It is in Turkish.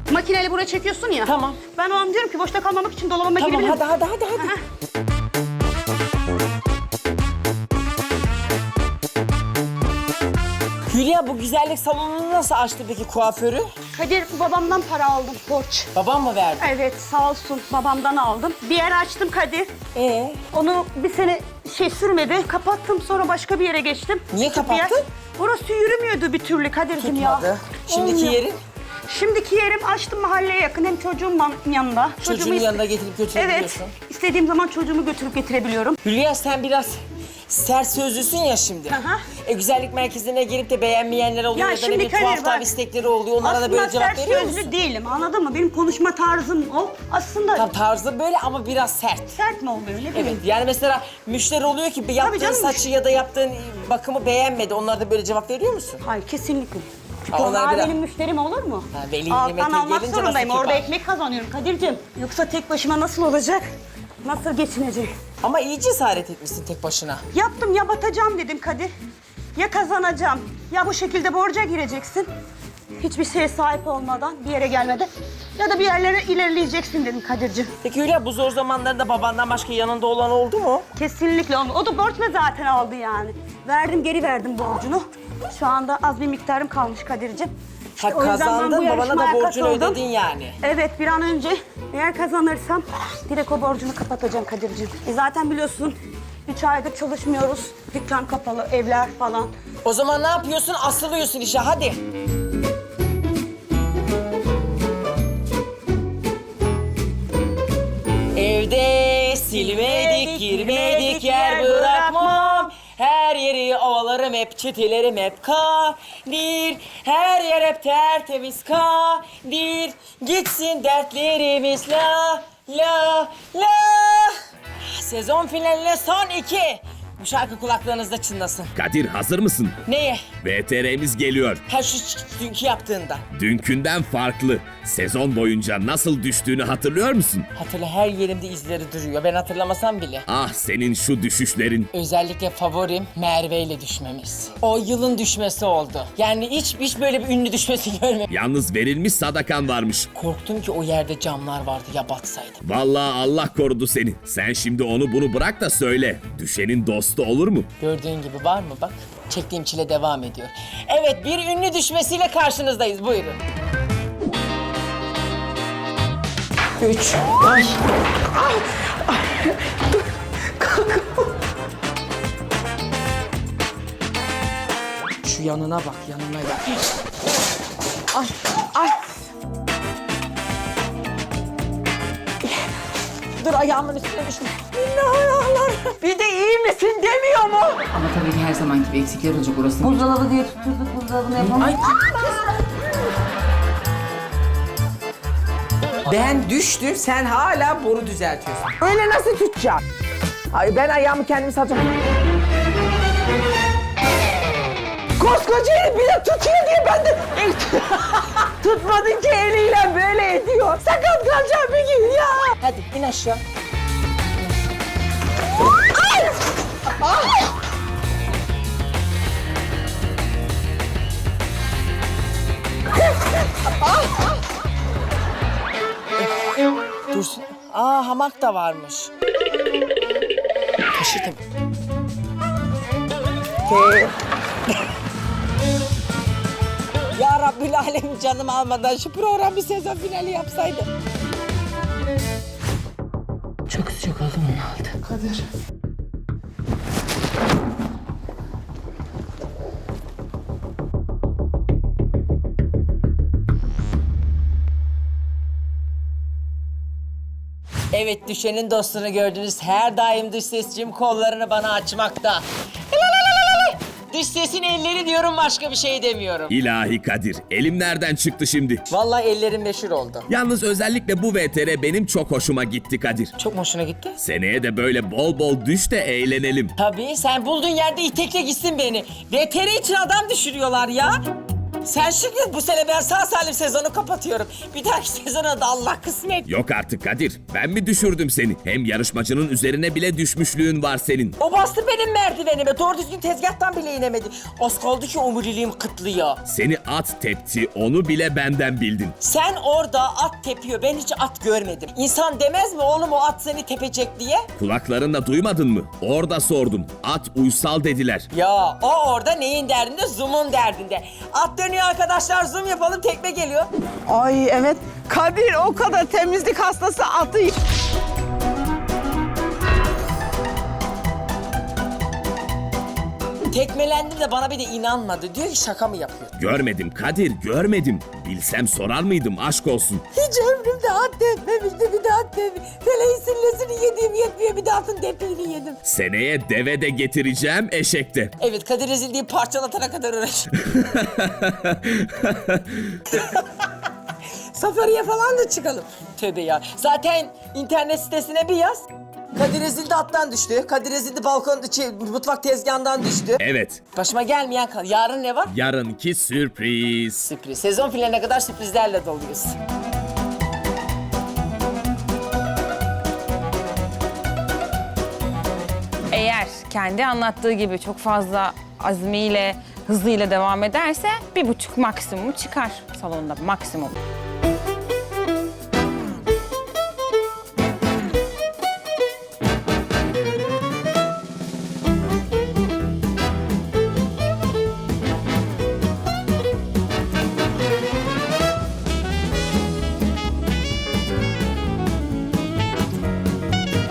Makineyle buraya çekiyorsun ya. Tamam. Ben o an diyorum ki boşta kalmamak için dolabıma Tamam girebilirim. hadi. Aha. Hülya bu güzellik salonunu nasıl açtı peki kuaförü? Kadir, babamdan para aldım, borç. Babam mı verdi? Evet, sağ olsun, babamdan aldım. Bir yer açtım Kadir. Onu bir sene sürmedi, kapattım, sonra başka bir yere geçtim. Niye Küçük bir yer. kapattın? Burası yürümüyordu bir türlü Kadir'cim ya. Tutmadı. Şimdiki Olmuyor. yerin? Şimdiki yerim açtım, mahalleye yakın, hem çocuğum yanında. Çocuğun yanına getirip götürebiliyorsun. Evet, istediğim zaman çocuğumu götürüp getirebiliyorum. Hülya sen biraz sert sözlüsün ya şimdi. Aha. Güzellik merkezine girip de beğenmeyenler oluyor Ya ya, da ne şimdi bileyim Kadir tuhaf bak, istekleri oluyor. Onlara da Aslında böyle cevap sert veriyor sözlü musun? değilim, anladın mı? Benim konuşma tarzım o. Aslında Tam tarzı böyle ama biraz sert. sert mi oluyor, ne bileyim. Evet yani mesela müşteri oluyor ki yaptığın canım. saçı ya da yaptığın bakımı beğenmedi. Onlara da böyle cevap veriyor musun? Hayır, kesinlikle. Ha, onlar Onlar biraz- benim müşterim olur mu? Ha, veli Alttan nimete almak gelince zorundayım. nasıl Orada kibar? ekmek kazanıyorum Kadir'cim. Yoksa tek başıma nasıl olacak? Nasıl geçineceğim? Ama iyi cesaret etmişsin tek başına. Yaptım, ya batacağım dedim Kadir. Ya kazanacağım, ya bu şekilde borca gireceksin. Hiçbir şeye sahip olmadan, bir yere gelmeden. Ya da bir yerlere ilerleyeceksin dedim Kadir'cim. Peki Hülya bu zor zamanlarda babandan başka yanında olan oldu mu? Kesinlikle olmadı. O da borçla zaten aldı yani. Verdim, geri verdim borcunu. Şu anda az bir miktarım kalmış Kadir'cim. Ha, O yüzden ben bu kazandın, babana da yarışmaya borcunu katıldım. ödedin yani. Evet, bir an önce eğer kazanırsam direkt o borcunu kapatacağım Kadir'cim. Zaten biliyorsun 3 aydır çalışmıyoruz. Dükkan kapalı, evler falan. O zaman ne yapıyorsun? Asılıyorsun işe hadi. Evde silmedik, girmedik, yer bırakmam. Her yeri ovalarım hep, çitilerim hep kadir. Her yer hep tertemiz kadir. Gitsin dertlerimiz la la la. Sezon finaline son 2. Bu şarkı kulaklarınızda çınlasın. Kadir hazır mısın? Neye? VTR'miz geliyor. Ha şu dünkü yaptığında. Dünkünden farklı. Sezon boyunca nasıl düştüğünü hatırlıyor musun? Hatırla her yerimde izleri duruyor. Ben hatırlamasam bile. Ah senin şu düşüşlerin. Özellikle favorim Merve ile düşmemiz. O yılın düşmesi oldu. Yani hiç böyle bir ünlü düşmesi görmedim. Yalnız verilmiş sadakan varmış. Korktum ki o yerde camlar vardı ya batsaydı. Vallahi Allah korudu seni. Sen şimdi onu bunu bırak da söyle. Düşenin dostu olur mu? Gördüğün gibi var mı bak. Çektiğim çile devam ediyor. Evet bir ünlü düşmesiyle karşınızdayız. Buyurun. 3. Ay. Şu yanına bak, yanına bak. Ay, ay. Dur ayağımın üstüne düşme. Minna ayağlar. Bir de iyi misin demiyor mu? Ama tabii ki her zamanki gibi eksikler olacak orası. Buzdolabı diye tutturduk, buzdolabını yapalım. Ay. Ben düştüm, sen hala boru düzeltiyorsun. Öyle nasıl tutacağım? Ay ben ayağımı kendim salacağım. Koskoca herif bir de tutuyor diye ben de... Tutmadın ki eliyle böyle ediyor. Sakat kalacağım bir gün ya. Hadi in aşağı. Ay! Ay! Dursun. Aa hamak da varmış. Taşıdım. Ya Rabbül Alem canım almadan şu program bir sezon finali yapsaydı. Çok sıcak oldu mu aldı? Kadir. Evet, düşenin dostunu gördünüz. Her daim dış sesçim kollarını bana açmakta. Dış sesin elleri diyorum, başka bir şey demiyorum. İlahi Kadir. Elim nereden çıktı şimdi? Vallahi ellerim meşhur oldu. Yalnız özellikle bu VTR benim çok hoşuma gitti Kadir. Çok mu hoşuna gitti? Seneye de böyle bol bol düş de eğlenelim. Tabii, sen bulduğun yerde itekle gitsin beni. VTR için adam düşürüyorlar ya. Sen şükür bu sene ben sağ salim sezonu kapatıyorum. Bir dahaki sezona da Allah kısmet. Yok artık Kadir. Ben mi düşürdüm seni? Hem yarışmacının üzerine bile düşmüşlüğün var senin. O bastı benim merdivenime. Doğru düzgün tezgahtan bile inemedi. Az kaldı ki omuriliğim kıtlıyor. Seni at tepti, onu bile benden bildin. Sen orada at tepiyor. Ben hiç at görmedim. İnsan demez mi oğlum o at seni tepecek diye? Kulaklarınla duymadın mı? Orada sordum. At uysal dediler. Ya o orada neyin derdinde? Zoom'un derdinde. At dönüyor arkadaşlar, zoom yapalım, tekme geliyor. Ay evet. Kadir o kadar temizlik hastası atı. Tekmelendim de bana bir de inanmadı. Diyor ki şaka mı yapıyor? Görmedim Kadir, görmedim. Bilsem sorar mıydım, aşk olsun. Hiç ömrümde at tepmemişti, bir de at tepmiş. Feleğin sillesini yediğim yetmiyor, bir de atın tepiğini yedim. Seneye deve de getireceğim, eşek de. Evet, Kadir ezildiği parçalatana kadar uğraş. Safariye falan da çıkalım. Tövbe ya. Zaten internet sitesine bir yaz. Kadir ezildi attan düştü. Kadir ezildi mutfak tezgahından düştü. Evet, Başıma gelmeyen kal. Yarın ne var? yarınki sürpriz. Sürpriz. Sezon finaline kadar sürprizlerle doluyuz. Eğer kendi anlattığı gibi çok fazla azmiyle, hızıyla devam ederse 1,5 maksimum çıkar salonda maksimum.